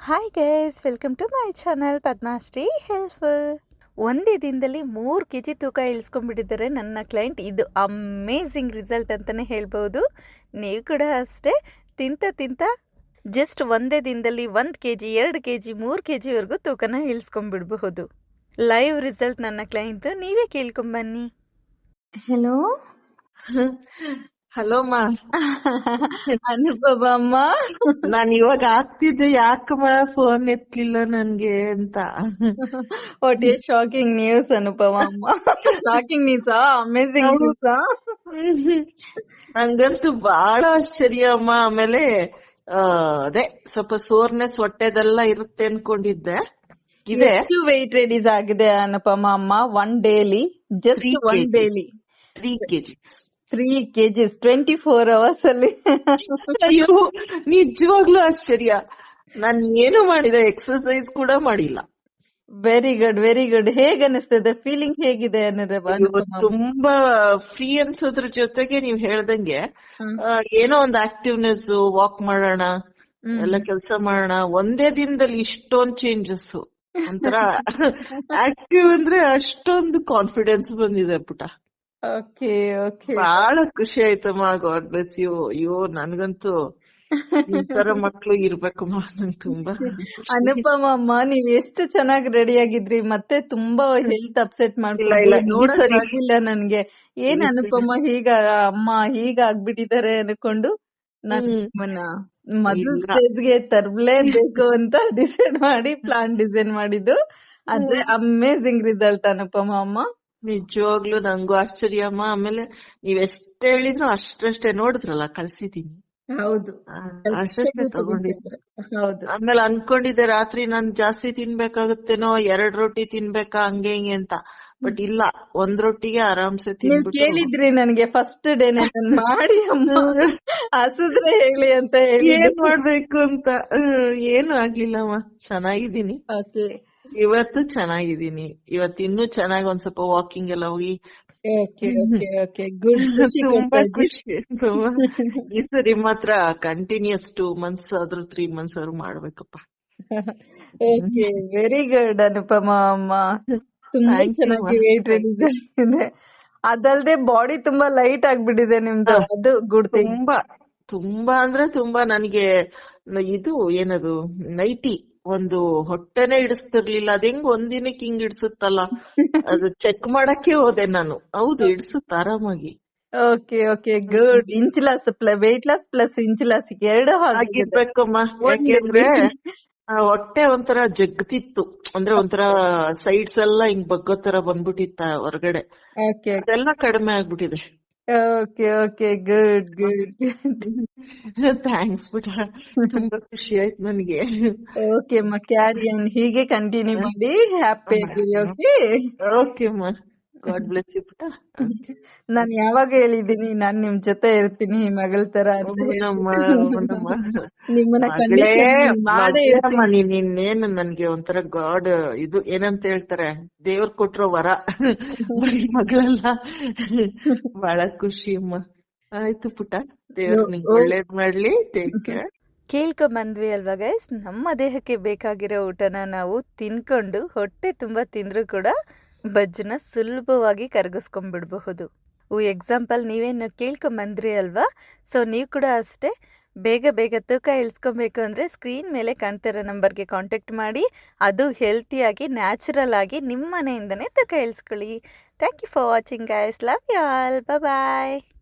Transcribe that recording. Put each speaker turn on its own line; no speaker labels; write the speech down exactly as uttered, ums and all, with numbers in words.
Hi guys, welcome to my channel Padmashree helpful. ಒಂದೇ ದಿನದಲ್ಲಿ ಮೂರು ಕೆ ಜಿ ತೂಕ ಇಳಿಸ್ಕೊಂಡ್ಬಿಟ್ಟಿದ್ದಾರೆ ನನ್ನ ಕ್ಲೈಂಟ್. ಇದು ಅಮೇಝಿಂಗ್ ರಿಸಲ್ಟ್ ಅಂತಲೇ ಹೇಳ್ಬೋದು. ನೀವು ಕೂಡ ಅಷ್ಟೇ ತಿಂತ ತಿಂತ ಜಸ್ಟ್ ಒಂದೇ ದಿನದಲ್ಲಿ ಒಂದು ಕೆ ಜಿ ಎರಡು ಕೆ ಜಿ ಮೂರು ಕೆ ಜಿವರೆಗೂ ತೂಕನ ಇಳಿಸ್ಕೊಂಡ್ಬಿಡ್ಬಹುದು. ಲೈವ್ ರಿಸಲ್ಟ್ ನನ್ನ ಕ್ಲೈಂಟ್ದು, ನೀವೇ ಕೇಳ್ಕೊಂಬನ್ನಿ.
ಹೆಲೋ
ಹಲೋ ಮಾ,
ಅನುಭವ ಅಮ್ಮ.
ನಾನ್ ಇವಾಗ ಆಗ್ತಿದ್ದೆ, ಯಾಕಮ್ಮ ಫೋನ್ ಎತ್ಲಿಲ್ಲ ನನ್ಗೆ ಅಂತ.
What is shocking news Anupama ಅಮ್ಮ. Shocking news, amazing news.
ನಂಗಂತೂ ಬಹಳ ಆಶ್ಚರ್ಯ ಅಮ್ಮ. ಆಮೇಲೆ ಆ ಅದೇ ಸ್ವಲ್ಪ ಸೋರ್ನೆಸ್ ಹೊಟ್ಟೆದೆಲ್ಲ ಇರುತ್ತೆ ಅನ್ಕೊಂಡಿದ್ದೆ. ಇದೆ
ಎಷ್ಟು ವೆಯ್ಟ್ ರೆಡೀಸ್ ಆಗಿದೆ ಅನುಪಮ ಅಮ್ಮ ಒನ್ ಡೇಲಿ? ಜಸ್ಟ್ ಒನ್ ಡೇಲಿ
three KGs
three KGs twenty four hours ಅಲ್ಲಿ.
ಅಯ್ಯೋ ನಿಜವಾಗ್ಲೂ ಆಶ್ಚರ್ಯ. ನಾನ್ ಏನು ಮಾಡಿಲ್ಲ, ಎಕ್ಸರ್ಸೈಸ್ ಕೂಡ ಮಾಡಿಲ್ಲ.
Very good very good. ಹೇಗ್ ಅನಿಸ್ತದೆ? ಫೀಲಿಂಗ್ ಹೇಗಿದೆ ಅನುಪಮ?
ತುಂಬಾ ಫ್ರೀ ಅನ್ಸೋದ್ರ ಜೊತೆಗೆ ನೀವ್ ಹೇಳ್ದಂಗೆ ಆ, ಏನೋ ಒಂದು ಆಕ್ಟಿವ್ನೆಸ್, ವಾಕ್ ಮಾಡೋಣ, ಎಲ್ಲ ಕೆಲಸ ಮಾಡೋಣ, ಒಂದೇ ದಿನದಲ್ಲಿ ಇಷ್ಟೊಂದ್ ಚೇಂಜಸ್. ಒಂಥರ ಆಕ್ಟಿವ್ ಅಂದ್ರೆ ಅಷ್ಟೊಂದು ಕಾನ್ಫಿಡೆನ್ಸ್ ಬಂದಿದೆ ಪುಟ.
Okay okay.
ಬಹಳ ಖುಷಿ ಆಯ್ತಮ್ಮ. God bless you. ಅಯ್ಯೋ ನನ್ಗಂತೂ ಈ ತರ ಮಕ್ಳು ಇರ್ಬೇಕಮ್ಮ. ನಂಗೆ ತುಂಬಾ
ಅನುಪಮ ಅಮ್ಮ, ನೀವ್ ಎಷ್ಟು ಚೆನ್ನಾಗಿ ರೆಡಿ ಆಗಿದ್ರಿ, ಮತ್ತೆ ತುಂಬಾ ಹೆಲ್ತ್ ಅಪ್ಸೆಟ್
ಇಲ್ಲ,
ಮಾಡ್ಕೊಂಡು
ಈ
ನೋಡಕ್
ಸರಿ-
ಆಗಿಲ್ಲ ನನ್ಗೆ. ಏನ್
ಈ ಸರಿ-
ಅನುಪಮ ಹೀಗ ಅಮ್ಮ ಹೀಗ ಆಗ್ಬಿಟ್ಟಿದ್ದಾರೆ ಅನ್ಕೊಂಡು ನಾನು
ಹ್ಮ್.
ನಿಮ್ಮನ್ನ ಮೊದಲ
ಇಲ್ಲ.
ಸ್ಟೇಜ್ಗೆ ತರ್ಲೇಬೇಕು ಅಂತ ಡಿಸೈಡ್ ಮಾಡಿ ಪ್ಲಾನ್ ಡಿಸೈನ್ ಮಾಡಿದ್ದು. ಆದ್ರೆ ಅಮೇಝಿಂಗ್ ರಿಸಲ್ಟ್ ಅನುಪಮ ಅಮ್ಮ.
ನಿಜವಾಗ್ಲೂ ನಂಗೂ ಆಶ್ಚರ್ಯ ಅಮ್ಮ. ಆಮೇಲೆ ನೀವ್ ಎಷ್ಟ್ ಹೇಳಿದ್ರು ಅಷ್ಟಷ್ಟೇ ನೋಡಿದ್ರಲ್ಲ, ಕಳ್ಸಿದೀನಿ.
ಹೌದು,
ಆ, ಅಷ್ಟಷ್ಟೇ ತಗೊಂಡಿದ್ದೆ.
ಹೌದು.
ಆಮೇಲೆ ಅನ್ಕೊಂಡಿದ್ದೆ ರಾತ್ರಿ ನಾನ್ ಜಾಸ್ತಿ ತಿನ್ಬೇಕಾಗುತ್ತೇನೋ, ಎರಡ್ ರೊಟ್ಟಿ ತಿನ್ಬೇಕಾ ಹಂಗೆ ಹಿಂಗೆ ಅಂತ. ಬಟ್ ಇಲ್ಲ, ಒಂದ್ ರೊಟ್ಟಿಗೆ ಆರಾಮ್ಸೆ
ನೀವ್
ತಿನ್ಬಿಟ್ಟು
ಕೇಳಿದ್ರಿ ನನ್ಗೆ ಫಸ್ಟ್ ಡೇ ನನ್ ಮಾಡಿ ಅಮ್ಮ ಹಸಿದ್ರೆ ಹೇಳಿ ಅಂತ ಹೇಳಿ.
ಏನ್ ಮಾಡ್ಬೇಕು ಅಂತ. ಹ್ಮ್, ಏನು ಆಗ್ಲಿಲ್ಲಮ್ಮ, ಚೆನ್ನಾಗಿದ್ದೀನಿ.
ಓಕೆ
ಇವತ್ತು ಚೆನ್ನಾಗಿದ್ದೀನಿ. ಇವತ್ತು ಇನ್ನೂ ಚೆನ್ನಾಗಿ ಒಂದ್ ಸ್ವಲ್ಪ ವಾಕಿಂಗ್ ಎಲ್ಲ ಹೋಗಿ
ಓಕೆ ಓಕೆ ಓಕೆ ಗುಡ್. ಖುಷಿ
ತುಂಬಾ
ಕೊಡ್ತಾ ಇದ್ದಿ.
ಖುಷಿ. ತುಂಬಾ ಈ ಸರಿ ಮಾತ್ರ ಕಂಟಿನ್ಯೂಸ್ ಟೂ ಮಂತ್ಸ್ ಆದ್ರೂ ತ್ರೀ ಮಂತ್ಸ್ ಆದ್ರೂ ಮಾಡ್ಬೇಕಪ್ಪ.
ಓಕೆ ವೆರಿ ಗುಡ್ ಅನುಪಮ ಅಮ್ಮ. ತುಂಬಾ
Thank you,
ಚೆನ್ನಾಗಿ
ma.
ವೇಟ್ ರೆಡ್ಯೂಸ್ ಆಗಿದೆ. ಅದಲ್ದೆ ಬಾಡಿ ತುಂಬಾ ಲೈಟ್ ಆಗ್ಬಿಟ್ಟಿದೆ ನಿಮ್ದು.
ಹಾ.
ಅದು ಗುಡ್ ಥಿಂಗ್.
ತುಂಬಾ ತುಂಬಾ ಅಂದ್ರೆ ತುಂಬಾ. ನನ್ಗೆ ನ- ಇದು ಏನದು ನೈಟಿ ಒಂದು ಹೊಟ್ಟೆನೆ ಇಡಿಸ್ತಿರ್ಲಿಲ್ಲ. ಅದ್ ಹೆಂಗ್ ಒಂದಿನಕ್ಕೆ ಹಿಂಗ್ ಇಡ್ಸುತ್ತಲ್ಲ, ಅದು ಚೆಕ್ ಮಾಡಕ್ಕೆ ಹೋದೆ ನಾನು. ಹೌದು, ಇಡ್ಸುತ್ತ ಆರಾಮಾಗಿ.
Okay okay good. Inch loss weight loss plus inch loss ಎರಡು ಆಗಿದೆ.
ಆಗಿರ್ಬೇಕಮ್ಮ. ಯಾಕೆಂದ್ರೆ ಆ ಹೊಟ್ಟೆ ಒಂಥರ ಜಗ್ತಿತ್ತು, ಅಂದ್ರೆ ಒಂಥರ ಸೈಡ್ಸ್ ಎಲ್ಲ ಹಿಂಗ್ ಬಗ್ಗೋ ತರ ಬಂದ್ಬಿಟ್ಟಿತ್ತ ಹೊರಗಡೆ.
ಓಕೆ
ಅದೆಲ್ಲ ಕಡಿಮೆ ಆಗ್ಬಿಟ್ಟಿದೆ.
Okay okay good good.
Thanks ಬಿಟ, ತುಂಬಾ ಖುಷಿ ಆಯ್ತು ನನಗೆ.
ಓಕೆ ಅಮ್ಮ, ಕ್ಯಾರಿ ಆನ್, ಹೀಗೆ ಕಂಟಿನ್ಯೂ ಮಾಡಿ. ಹ್ಯಾಪಿ ಆಗಿರಿ. ಓಕೆ
ಓಕೆ ಅಮ್ಮ, ಗಾಡ್ ಬ್ಲೆಸ್ ಯು ಪುಟ.
ನಾನ್ ಯಾವಾಗ ಹೇಳಿದೀನಿ ನಾನ್ ನಿಮ್ ಜೊತೆ ಇರ್ತೀನಿ ಮಗಳ ತರ ಅಂತ ಹೇಳಿ.
ನಮ್ಮ ನಮ್ಮ
ನಿಮ್ಮನ್ನ
ಮಗಳೇ,
ಕಂಡೀಷನ್ ಮಾಡೇ
ಮಗಳಮ್ಮ
ಇರ್ತೀನಿ.
ನೀನ್ ಇನ್ನೇನು ನನ್ಗೆ ಒಂಥರ ಗಾಡ್ ಇದು ಏನಂತ ಹೇಳ್ತಾರೆ, ದೇವ್ರ ಕೊಟ್ರೋ ವರ. ಬರೀ ಮಗಳಲ್ಲ. ಬಹಳ ಖುಷಿ ಅಮ್ಮ. ಆಯ್ತು ಪುಟ, ದೇವ್ರ ನಿಂಗೆ ಒಳ್ಳೇದ್ ಮಾಡ್ಲಿ. Take care.
ಕೇಳ್ಕೊಂಬಂದ್ವಿ ಅಲ್ವಾ ಗೈಸ್, ನಮ್ಮ ದೇಹಕ್ಕೆ ಬೇಕಾಗಿರೋ ಊಟನ ನಾವು ತಿನ್ಕೊಂಡು ಹೊಟ್ಟೆ ತುಂಬ ತಿಂದರೂ ಕೂಡ ಬಜ್ಜನ್ನ ಸುಲಭವಾಗಿ ಕರಗಿಸ್ಕೊಂಡ್ಬಿಡ್ಬಹುದು. ಎಕ್ಸಾಂಪಲ್ ನೀವೇನು ಕೇಳ್ಕೊಂಬಂದ್ರಿ ಅಲ್ವಾ, ಸೊ ನೀವು ಕೂಡ ಅಷ್ಟೇ ಬೇಗ ಬೇಗ ತೂಕ ಇಳಿಸ್ಕೊಬೇಕು ಅಂದರೆ ಸ್ಕ್ರೀನ್ ಮೇಲೆ ಕಾಣ್ತಿರೋ ನಂಬರ್ಗೆ ಕಾಂಟ್ಯಾಕ್ಟ್ ಮಾಡಿ. ಅದು ಹೆಲ್ತಿಯಾಗಿ ನ್ಯಾಚುರಲ್ ಆಗಿ ನಿಮ್ಮ ಮನೆಯಿಂದನೇ ತೂಕ ಇಳಿಸ್ಕೊಳ್ಳಿ. Thank you for watching guys. Love you all. Bye.